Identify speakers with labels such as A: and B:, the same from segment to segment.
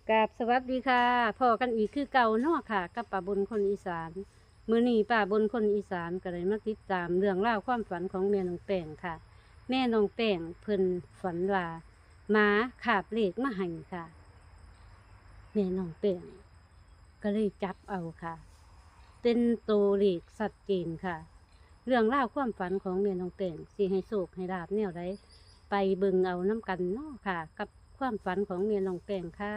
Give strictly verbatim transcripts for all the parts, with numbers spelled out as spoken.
A: กราบสวัสดีค่ะพอกันอีกคือเก่าเนาะค่ะกับป่าบนคนอีสานมื้อนี้ป่าบนคนอีสานก็เลยมาติดตามเรื่องราวความฝันของแม่น้องแป้งค่ะ แม่น้องแป้งเพิ่นฝันว่าหมาขาบเลขมาให้ค่ะ แม่น้องแป้งก็เลยจับเอาค่ะ เป็นตัวเลขสัดเจนค่ะ เรื่องราวความฝันของแม่น้องแป้งสิให้โชคให้ลาบแนวใดไปเบิ่งเอาน้ำกันเนาะค่ะ กับความฝันของแม่น้องแป้งค่ะ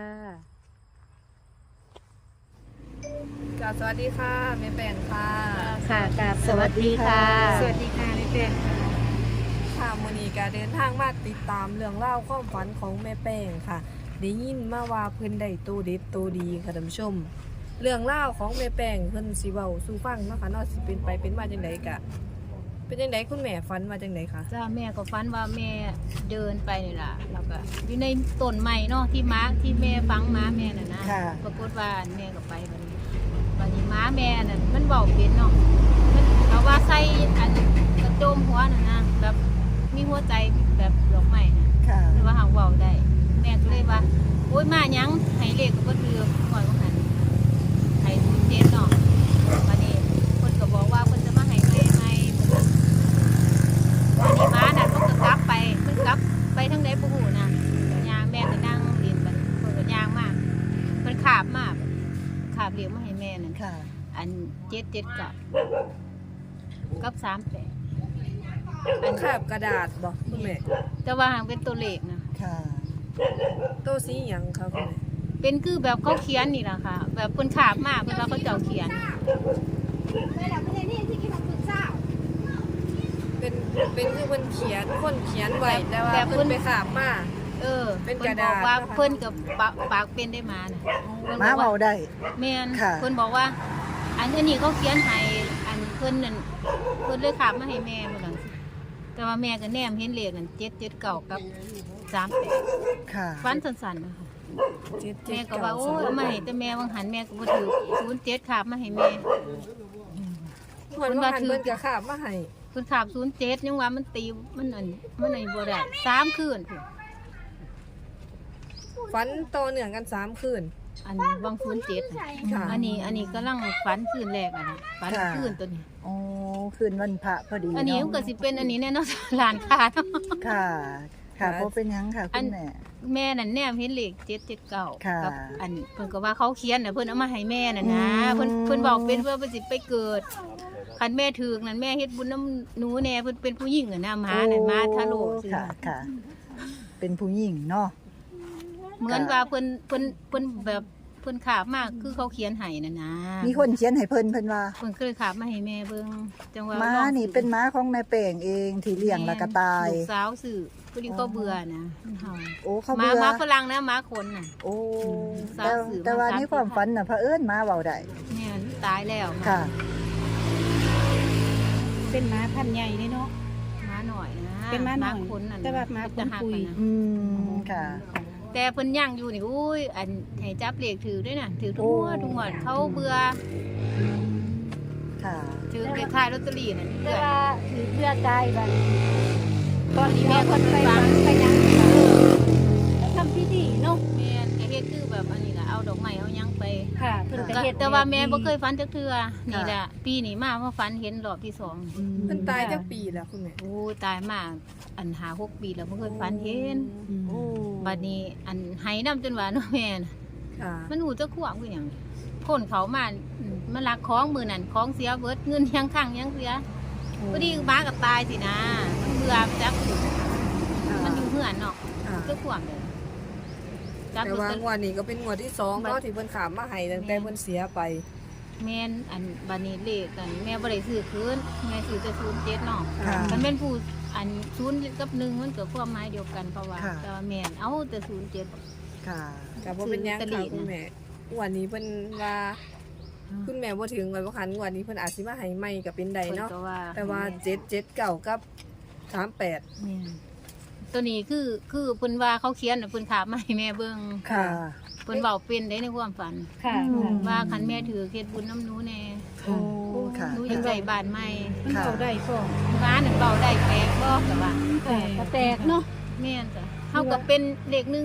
B: กราบสวัสดีค่ะแม่แป้งค่ะ
A: ค่ะกราบสวัสดีค่ะ
C: สวัสดีค่ะแม่แป้งค่ะ
B: ค่ะมื้อนี้ก็เดินทางมาติดตามเรื่องเล่าวความฝันของแม่แป้งค่ะได้ยินมาว่าเพิ่นได้ตัวเด็ดตัวดีค่ะท่านผู้ชม เรื่องเล่าวของแม่แป้งเพิ่นสิเว้าสู่ฟังเนาะค่ะเนาะสิเป็นไปเป็นมาจังไดกะเป็นจังไดคุณแม่ฝันมาจังไดคะ
C: จ้าแม่ก็ฝันว่าแม่เดินไปนี่ล่ะแล้วก็อยู่ในต้นไม้เนาะที่ม้าที่แม่ฟังม้าแม่น่ะนะ
D: ค่ะ
C: ปรากฏว่าแม่ก็ไปบัดนี้บัดนี้ม้าแม่น่ะมันเว้าเป็นเนาะมันเอาว่าใส่อันกระโจมหัวน่ะนะแบบมีหัวใจแบบดอกไม้น่ะ
D: ค่ะ
C: แต่ว่าหางเว้าได้แม่ก็เลยว่าโอ๊ยมาหยังให้เลขก็บ่ถือก่อนว่าหั่นให้ศูนย์เจ็ดเนาะบัดนี้เพิ่นก็บอกว่าเพิ่นจะมาให้ใหม่ใหม่อันนี้ม้าน่ะมันก็กลับไปมันกลับไปทางใดบ่ฮู้นะย่างแม่ก็นั่งเรียนไปเพิ่นก็ย่างมาเพิ่นขาบมาขาบเรียกมาให้แม่นั่น
D: ค่ะ
C: อันเจ็ดเจ็ดกับกับสามแปด
B: อันคาบกระดาษบ่คุณแม่
C: แต่ว่าหางเป็นตัวเลขนะ
D: ค่ะ
B: ตัวสีหยังคะคุณแม่
C: เป็นคือแบบเขาเขียนนี่แหละค่ะ แบบคนขาบมากเวลาเขาเจ้าเขียน
B: เป็นเป็นคือเพิ่นเขียนคนเขียนไว้แต่ว่า
C: แบบเพิ่
B: เพิ่
C: น
B: นไปคาบมา
C: เออ
B: เป็นก
C: เพิ่
B: ระ
C: นบ
B: ดา
C: อ
B: ษ
C: กว่า
B: นะคะ
C: เพิ่นกับปากปากเป็นได้มานะพิ่น
D: ม้า
C: บอก
D: เบาได้
C: แม่น
D: ค่ะ
C: เพิ่นบอกว่า อันนี้เขาเขียนให้อันเพิ่นนั่นเพิ่นเลยขาบมาให้แม่เพิ่นหลังสิแต่ว่าแม่ก็แนมเห็นเลขนั่นเจ็ดเจ็ดเก้ากับสามแปด
D: ค่ะ
C: ฟันสั้นๆนะคะ
B: เจ็ดเจ็
C: แม่
B: ด
C: ก็
B: เก้า
C: ว่าโอ้ย
B: สาม
C: เอามาให้แต่แม่วังหันแม่ก็บ่ถือศูนย์เจ็ดขาบมาให้แม่
B: เหมือนว่าหันเพิ่นก็คาบมาให้
C: เพิ่นขาบศูนย์เจ็ดยังว่ามันตีมันอันมันอันบ่ได้สามคืนพุ่น
B: ฝันต่อเนื่องกันสามคืน
C: อันวังศูนย์เจ็ด
B: ค่ะ
C: อันนี้อันนี้กำลังฝันคืนแรกอ่ะนะฝัน
D: ค่ะ
C: คืนตัวนี้
D: โอ้คืนวันพระพอดี
C: อันนี้มัน
D: เนาะ
C: ก็สิเป็นอันนี้แน่เนอน หลานค้าเนาะ
D: ค่ะ ค่ะเพราะเป็นหยังค่ะ
C: อั
D: คุ
C: น
D: ณแม่
C: แม่นั่นแนมเห็นเลขเจ็ดเจ็ดเก้า
D: ค่ะ
C: กัอันเพิ่นก็ว่าเขาเขียนน่ะเพิ่นเอามาให้แม่น่ะนะ
D: อืม
C: เพิ่นเพิ่นบอกเป็นเพื่อเพิ่นสิไปเกิดคันแม่ถึกนั่นแม่เฮ็ดบุญน้ำหนูแน่เพิ่นเป็นผู้หญิงอ่ะนะหมาน่ะหมาทะโลซื่อ
D: ค่ะ ค่ะ เป็นผู้หญิงเนาะ
C: เหมือนว่าเพิ่นเพิ่นเพิ่นแบบเพิ่นขาบมากคือเขาเขียนให้น่ะนะ
D: มีคนเขียนให้เพิ่นเพิ่นว่า
C: เพิ่นเคยขาบมาให้แม่เบิ่งจังว่า
D: ม้า
C: ลอง
D: นี่เป็นม้าของแม่แป้งเองที่เลี้ยงแล้วก็ตาย
C: ลูกสาวซื้อพอดีก็เบื่อนะมันเฮา
D: โอ้เขา
C: หมา
D: เบื่อ
C: หมาฝรั่งนะหมาคนน่ะ
D: โอ้
C: สาว
D: แต่
C: สื่อ
D: แต่ว่า
C: มาสาม
D: ในความฝันน่ะเผอิญม้าเบาได้
C: แม่นตายแล้วหมา
D: ค่ะ
A: เป็นม้าพันธุ์ใหญ่นี่เนาะ
C: หมาหน่อยนะ
A: เป็นม้าหน่อย
C: คนนั่น
A: แต่ว่าหมา
C: จะหัก
A: ปุย
C: กันนะ
D: อืมค่ะ
C: แต่เพิ่นย่างอยู่นี่อุ้ยอันให้จับเลขถือด้วยน่ะถือทุก
D: โอ้
C: งวดทุกงวดเขาเบื่อ
D: ค่ะ
C: ถือเลขท้ายลอตเตอรี่น่ะ
A: แต่
C: เพื่อน
A: ว่าถือเพื่อตายบัดตอนนี้
C: แม่
A: แม่
C: ค
A: คน น
C: ไป
A: ไป
C: ฟั
A: ฟั
C: ง
A: งไปยังแล้วทำพิธีเนาะ
C: แม่นก็เฮ็ดคือแบบอันนี้ล่ะเอาดอกไม้เอาหยังไป
A: ค่ะเพิ่นก็
C: ก็
A: เฮ็ด
C: แต่ว่าแม่บ่เคยฝันจักเทื่อนี่
D: ค่ะ
C: แหละปีนี้มาเพราะฝันเห็นรอบที่สอง
D: อืม
B: เพิ่นตายจักปีแล้วคุณแม่
C: โอ้ยตายมากอันหาหกปีแล้วบ่เคยฝันเห็น
D: อืม
B: โอ้
C: บัดนี้อันไหน้ำจนว่าเนาะแม่น่ะ
B: ค่ะ
C: มันหูจะขวางคือหยังคนเขามาอืมมาลักของมือนั่นของเสียเบิดเงินยังข้างยังเสียพอดีหมากับตายสินะมันเบื่อจักมันอยู่เหือนเนาะ
B: ค่ะ
C: จะขวางเลยจับ
B: แต่
C: รถ
B: ว่า
C: จะ
B: งวดนี้ก็เป็นงวดที่สองเนาะที่เพิ่นขามมาให้ตั้งแต่เพิ่นเสียไป
C: แม่นอันบัดนี้เลขกันแม่บ่ได้ซื้อคืนแม่ซื้อแต่ศูนย์เจ็ดเนาะ
D: ค่ะ
C: มันเป็นผู้อันศูนย์กับหนึ่งมันเกิดความหมายเดียวกันเพราะว่า
D: ค่ะ
C: แต่ว่าแม่นเอาแต่ศูนย์เจ็ด
D: ค่ะ
B: กับว่าเป็นหยัง
C: ซื้อลอตเตอรี่
B: ค่ะคุณ
C: นะ
B: แม่งวันนี้เพิ่นว่าคุณแม่บ่ถึงวันบ่คันงวันนี้เพิ่นอาจสิมาให้ใหม่ก็เป็นได้เนาะ
C: พิ่ก็ว่า
B: แต่ว่าเจ็ดเจ็ดเก้ากับสามแปด
C: แม่นตัวนี้คือคือเพิ่นว่าเขาเขียนน่ะเพิ่นขาบมาให้แม่เบิ่ง
D: ค่ะ
C: เพิ่นเว้าเป็นได้ในความฝัน
A: ค่ะ
D: อืม
C: ว่าคันแม่ถือเฮ็ดบุญน้ำหนูแน่
D: โอ้ค่ะ
C: หนูอยากได้บ้านใหม่
A: มันเข้าได้พ่อ
C: ร้านนั่นเบาได้แปลกบ่ก็ว่า
A: ค่ะก็แตกเนาะ
C: แม่นจ้ะเฮาก็เป็นเด็กหนึง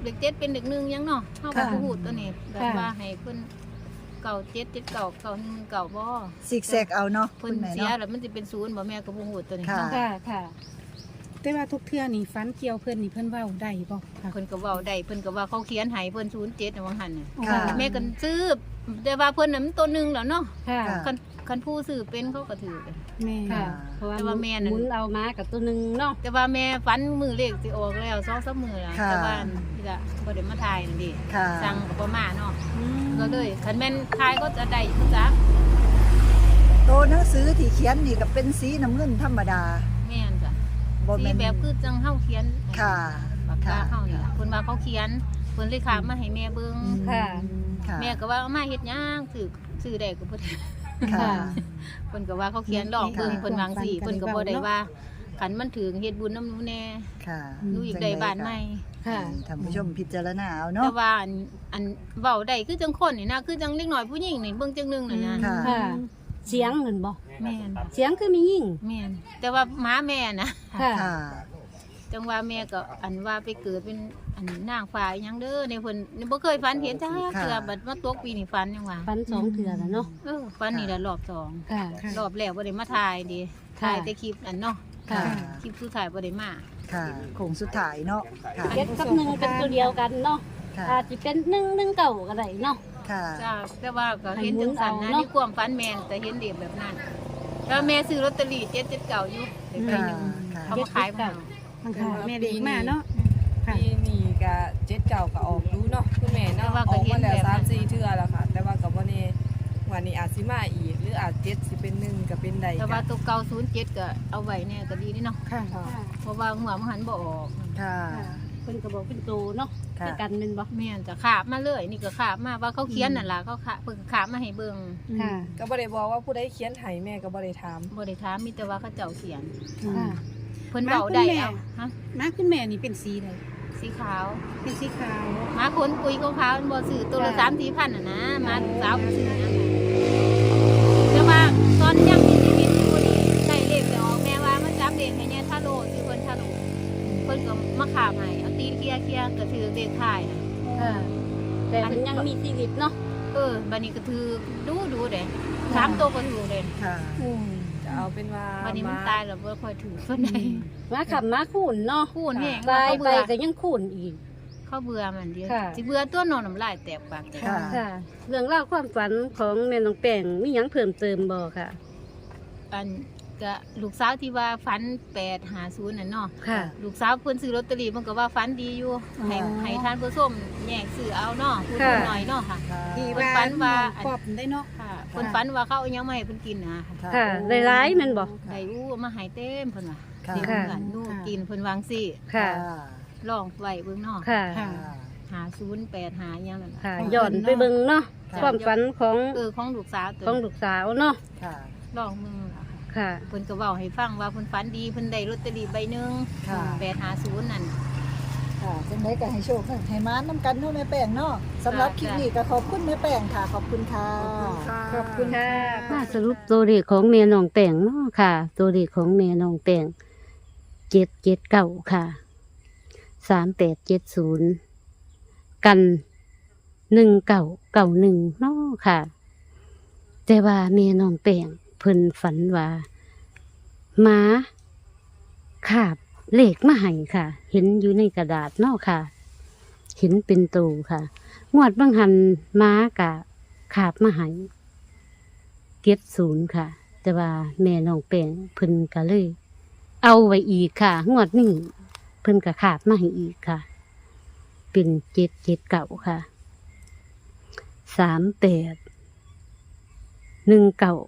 C: เลขเจ็ดเป็นเลขหนึ่งยังเนาะเฮาก็
D: ค่ะ
C: บ่ฮู้ตัวนี้แบบ
A: ค่ะ
C: ว่าให้เพิ่นเก่าเจ็ดเจ็ดเก่าเก่าหนึ่งเก่าบ่
D: ซิกแซกเอาเนาะ
C: เพิ่
D: คุ
C: น
D: ณแม่
C: เสีย
D: เนาะ
C: แล้วมันสิเป็นศูนย์บ่แม่ก็บ่ฮู้ตัวนี้
D: ค่ะ
C: เนาะ
A: ค่ะค่ะ
E: แต่ว่าทุกเทื่อนี่ฟันเกี่ยวเพิ่นนี่เพิ่นเว้าได้บ่ค่ะ
C: เพิ่นก็เว้าได้เพิ่นก็ว่าเขาเขียนให้เพิ่นศูนย์เจ็ดน่ะว่าหั่นน่ะ
D: ค่ะ
C: แม่ก็ซื้อแต่ว่าเพิ่นน่ะมันตัวหนึงแล้วเนาะ
A: ค่ะ
D: ค่ะ
C: คันคันผู้ซื้อเป็นเขาก็ถือ
E: แม่
A: ค่ะ เพราะว่า
C: แต่ว่าแม่นั่น
A: หมุนเอามากับตัวหนึงเนาะ
C: แต่ว่าแม่ฝันมือเลขสิออกแล้วสองสามมื้อแล้ว
D: ค่ะ
C: แต่ว่านี่ล่ะบ่ได้มาถ่ายนั่นดิ
D: ค่ะ
C: สั่งก็บ่มาเนาะก็เลยคันแม่นถ่ายก็จะได้คือจัก
D: โตหนังสือที่เขียนนี่ก็เป็นสีน้ำเงินธรรมดา
C: แม่นจ้ะ
D: บ่
C: สี
D: แม่น
C: แบบคือจังเฮาเขียน
D: ค่ะ
C: ปากกา
D: ค่ะ
C: เฮานี่ล่ะเพิ่นว่าเขาเขียนเพิ่นเลยขามมาให้แม่เบิ่ง
A: ค่ะ
D: ค่ะ
C: แม่ก็ว่าเอามาเฮ็ดหยังซื้อซื้อได้ก็บ่ได้
D: ค่ะ
C: เพิ่นก็ว่าเขาเขียนลองเบิ่ง
D: ค่ะ
C: เพิ่นวางสิเพิ่นก็บ่ได้ว่าคันมันถึงเฮ็ดบุญนำหนูแน่
D: ค่ะ
C: หนูอยากได้บ้านใหม่
A: ค่ะ
D: ท่านผู้ชมพิจารณาเอา
C: แต่
D: เนาะ
C: ว่าอันอันเว้าได้คือจังคนนี่นะคือจังเล็กน้อยผู้หญิงนี่เบิ่งจังหนึงน่ะนะ
D: ค่ะ
A: ค่ะ เสียงเงินบ่
C: แม่น
A: เสียงคือมียิ่ง
C: แม่นแต่ว่าหมาแม่นะ
A: ค่ะ
D: ค่ะ
C: จังว่าแม่ก็อันว่าไปเกิดเป็นอันนางฟ้าอีหยังเด้อในเพิ่นนี่บ่เคยฝันเห็นจ้า
D: ค่ะ
C: เทื่อบัดมาตกปีนี่ฝันยังว่า
A: ฟันสองเถื่อแล้วเนาะ
C: เออฝันนี่ละรอบสอง
A: ค่ะ
E: ค่ะ
C: รอบแรกบ่ได้มาถ่ายดิ
A: ค่ะ
C: ถ่ายแต่คลิปอันเนาะ
A: ค่ะ
C: คลิปสุดท้ายบ่ได้มา
D: ค่ะโคงสุดท้ายเนาะค่ะ
A: เจ็ดกับหนึ่งเป็นตัวเดียวกันเนาะ
D: ค่ะ
A: อาจจะเป็นหนึ่งหนึ่งเก่าก็ได้เนาะ
D: ค่ะ
C: จ้าแต่ว่าก็เห็นจังสันนะ
A: ให้หมุนเอาเนาะ
C: นี่ความฝันแม่นแต่เห็นเด็กแบบนั้นแล้วแม่ซื้อลอตเตอรี่เจ็ดเจ็ดเก่าอยู่เด็กไปหนึ่ง
D: ค่ะ
C: เขามาขายมาเอา
E: บางค่ะแม่เด็กมาเนาะค่ะ
B: ปีนี้ก็เจ็ดเก่าก็ออกดูเนาะคุณแม่เนาะออกมาแล้วสามสี่เทื่อแล้วค่ะ แต่ว่าก็บ่แน่วันนี้อาจสิมาอีกหรืออาจเจ็ดสิเป็นหนึ่งก็เป็นใด
C: แต่
B: กั
C: ว่าน ตัวเก่าศูนย์เจ็ดก็เอาไว้เนี่ยก็ดีนี่เนาะ
E: ค่ะ
C: เพราะว่าหัวมันหันบ่ออก
D: ค่ะ
A: เพิ่นก็บอกเป็นตัวเนาะ
D: ค่ะ
A: คือกันเป็นบ่
C: แม่นจะขาบมาเลยนี่ก็ขาบมาว่าเขาเขียนนั่นล่ะเขาขาเพิ่นก็ขาบมาให้เบิ่ง
A: ค่ะ
B: ก็บ่ได้บอกว่าผู้ใดเขียนให้แม่ก็บ่ได้ถาม
C: บ่ได้ถามมีแต่ว่าเขาเจ้าเขียน
A: ค่ะ
C: เพิ่นเว้าได้เอาฮะ
E: มาคุณแม่นี่เป็นสีใด
C: สีขาว
E: เป็นสีขาว
C: หมาคนปุยขาวๆมันบ่ซื้อตัวละ
A: ค่ะ
C: สามสี่พันน่ะนะหมาสาวก็ซื้อนะแต่ว่าตอนยังมีชีวิตอยู่นี่ใส่เลขจะออกแม่ว่ามันจับเลขให้เนี่ยถ้าโลซื้อเพิ่นถ้าโลเพิ่นก็มาขาบให้เอาตีนเคลียร์เคลียร์ก็ถือเลขท้ายน่ะ
A: ค่ะ แต่มันยังมีชีวิตเนาะ
C: เออบัดนี้ก็ถือดูดูเด้สามตัวก็ถือเด้
D: ค่ะ
E: โอ้
B: จะเอาเป็นว่า
C: บัดนี้มันตายแล้วบ่ค่อยถือเพิ่นได้
A: มาขับมาคูนเนาะ
C: คูณแห้ง
A: ตาย
C: เขา
A: ไป
C: เบื่อ
A: ก็ยังคูนอีก
C: เขาเบื่อมันเดียว
A: ค่ะ
C: สิเบื่อตัวนอนน้ำลายแตกปากแตก
D: ค่ะ
A: ค่ะ เรื่องเล่าวความฝันของแม่น้องแป้งมีหยังเพิ่มเติมบ่ค่ะ
C: อันก็ลูกสาวที่ว่าฝันแปดหาศูนย์น่ะเนาะ
A: ค่ะ
C: ลูกสาวเพิ่นซื้อลอตเตอรี่มันก็ว่าฝันดีอยู่ ให้
D: อ๋อ
C: ให้ท่านผู้ชมแยกซื้อเอาเนาะผู้
A: ค่ะ
C: หน่อยเนาะค่ะ
D: ค่ะ
E: ที่
C: เพิ่น
E: ว่า
C: ฝันว่า
E: ปอบได้เนาะ
C: ค่ะเพิ่นฝันว่าเขาเอาหยังมาให้เพิ่นกินนะ
A: ค่ะหลายๆแม่นบ่
C: ได้อู้เอามาให้เต็มเพิ่นว่า
D: ค่ะ
C: เต็มเหมือนลูกกินเพิ่นวางสิ
A: ค่ะ
C: ลองไว้เบิ่งเนาะ
A: ค่ะ
E: ค่ะ
C: หาศูนย์แปดหาหยังนั่นน่ะ
A: ค่ะย้อนไปเบิ่งเนาะ
D: ค่ะ
A: ความฝันของ
C: เออของลูกสาวตัว
A: ของลูกสาวเนาะ
D: ค่ะ
C: ลองมึงล่ะค่ะ
A: ค่ะ
C: เพิ่นก็เว้าให้ฟังว่าเพิ่นฝันดีเพิ่นได้ลอตเตอรี่ใบหนึง
D: ค่ะ
C: แปดหาศูนย์นั่น
D: ค่ะจังไดก็ให้โชคให้มานำกันเนาะแม่แป้งเนาะสำหรับคลิปนี้ก็ขอบคุณแม่แป้งค่ะ ขอบคุณค่ะ
A: ขอบคุณค่ะมาสรุปตัวเลขของแม่น้องแป้งเนาะค่ะ ตัวเลขของแม่น้องแป้งเจ็ดเจ็ดเก้าค่ะสามแปดเจ็ดศูนย์กันหนึ่งเก้าเก้าหนึ่งเนาะค่ะ แต่ว่าแม่น้องแป้งเพิ่นฝันว่าหมาขาบเลขมาให้ค่ะ เห็นอยู่ในกระดาษเนาะค่ะ เห็นเป็นตูค่ะ งวดบางหันม้ากะขาบมาใหายเก็บศูนย์ค่ะ แต่ว่าแม่น้องแป้งเพิ่นก็เลย เอาไว้อีกค่ะ งวดนี้เพิ่นก็ขาบมาให้อีกค่ะ เป็นเจ็ดเจ็ดเก่าค่ะสามแปดหนึ่งเก่า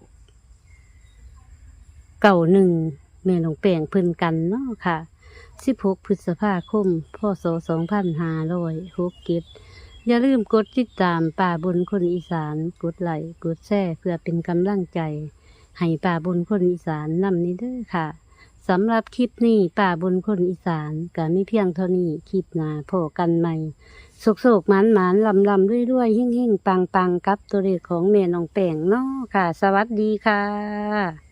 A: เก่าหนึ่งแม่น้องแป้งเพิ่นกันเนาะค่ะสิบหกพฤษภาคมพศสองพันห้าร้อยหกเก็ด อย่าลืมกดติดตามป่าบนคนอีสานกดไลค์กดแชร์เพื่อเป็นกำลังใจ ให้ป่าบนคนอีสานนำนี้เด้อค่ะสำหรับคลิปนี้ป่าบนคนอีสานก็มีเพียงเท่านี้คลิปหน้าพอกันใหม่โศกๆหมานหมานลำลำๆด้วยๆหิ่งหิ่งๆปังปังๆกับตัวเลขของแม่น้องแป้งเนาะค่ะ สวัสดีค่ะ